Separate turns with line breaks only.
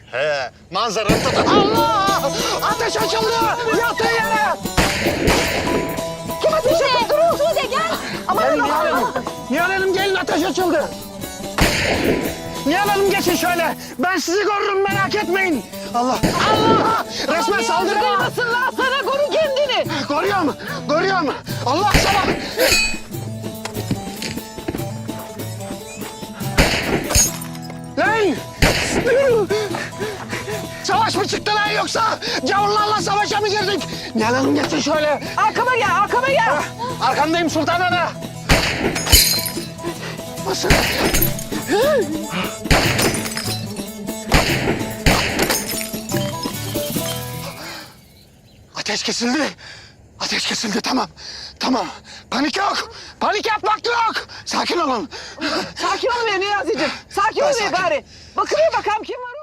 He, manzaranı tut. Allah! Ateş açıldı! Yatın yere!
Kim ateş etti? Durun. Sude gel.
Gelin Nihal Hanım. Nihal Hanım gelin, ateş açıldı. Nihal Hanım geçin şöyle. Ben sizi korurum, merak etmeyin. Allah! Allah! Resmen saldırı var.
Kıymasınlar sana, koru kendini.
Koruyorum, koruyorum. Allah sana! Lan! Savaş mı çıktı lan yoksa? Gavurlarla savaşa mı girdik? Nihal Hanım geçin şöyle.
Arkama gel, arkama gel.
Arkandayım Sultan Ana. Nasıl? Ateş kesildi. Ateş kesildi, tamam. Tamam. Panik yok. Panik yapmak yok. Sakin olun.
Sakin ol be Niyazi'cim. Sakin ol be
sakin.
gari. Bakıver bakalım kim var.